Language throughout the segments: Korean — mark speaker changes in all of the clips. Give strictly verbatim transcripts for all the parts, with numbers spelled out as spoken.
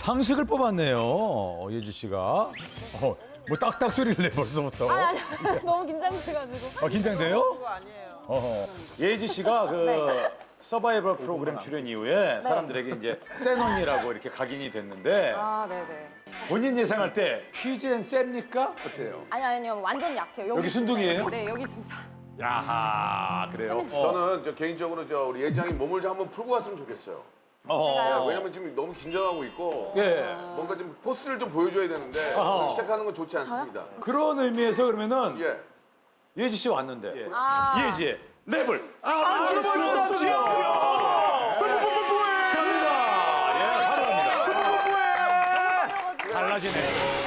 Speaker 1: 상식을 뽑았네요. 어, 예지 씨가. 어, 뭐 딱딱 소리를 내 벌써부터.
Speaker 2: 아니, 아니, 너무 긴장돼가지고.
Speaker 1: 아, 긴장돼요?
Speaker 3: 그거 아니에요.
Speaker 1: 어허. 예지 씨가 그 서바이벌 프로그램 출연 이후에 사람들에게 이제 센 언니라고 이렇게 각인이 됐는데
Speaker 2: 아, 네네.
Speaker 1: 본인 예상할 때 퀴즈엔 셉니까? 어때요?
Speaker 2: 아니, 아니요. 완전 약해요.
Speaker 1: 여기
Speaker 2: 있습니다.
Speaker 1: 순둥이에요?
Speaker 2: 네, 여기 있습니다.
Speaker 1: 야하, 그래요? 어.
Speaker 4: 저는 저 개인적으로 저 우리 예장이 몸을 좀 한번 풀고 갔으면 좋겠어요.
Speaker 1: 어.
Speaker 2: 제가요?
Speaker 4: 왜냐면 지금 너무 긴장하고 있고
Speaker 1: 예.
Speaker 4: 뭔가 좀 포스를 좀 보여줘야 되는데
Speaker 1: 어허.
Speaker 4: 시작하는 건 좋지 않습니다.
Speaker 1: 그런 의미에서 그러면은
Speaker 4: 예.
Speaker 1: 예지 씨 왔는데
Speaker 2: 아.
Speaker 1: 예지의 랩을 안 들어볼 수 없지요. 갑니다. 예, 사랑합니다. 달라지네.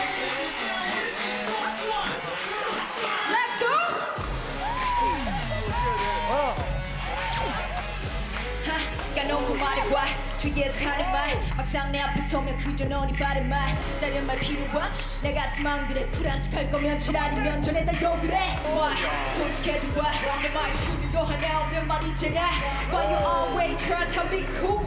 Speaker 5: 까놓고 말해봐 뒤에서 하는 말 막상 내 앞에 서면 그저 너니 바른 말 다른 말 필요 없이 내 같은 마음들에 쿨한 척할 거면 지랄이면 전에 다 욕을 해 Why? 솔직해져봐 내 말이 수도 하나 없는 말이잖아 But you always try to be cool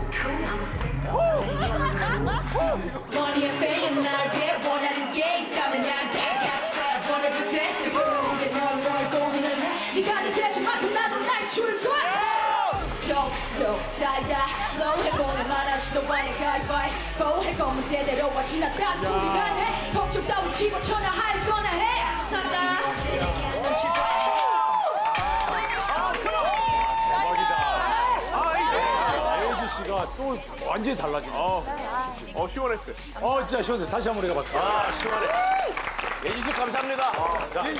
Speaker 5: Money and fame 나에게 원하는 게 있다면 나한테 같이 가 원해도 돼내 보는 게널널 고민을 해 네가 느껴준 만큼 나도 날 줄 거야 쏙쏙 쌓여 flow 해보는 말아 시도하는 가위바위보 할 거면 제대로 와 지났다 소리가 해 걱정 따위 집어쳐나 할 거나 해 난다
Speaker 1: 예지 씨가 또 완전히 달라지네.
Speaker 6: 어, 시원했어요.
Speaker 1: 어, 진짜 시원해. 다시 한번 우리가 볼게요.
Speaker 6: 아, 시원해. 예지 씨 감사합니다.
Speaker 1: 자,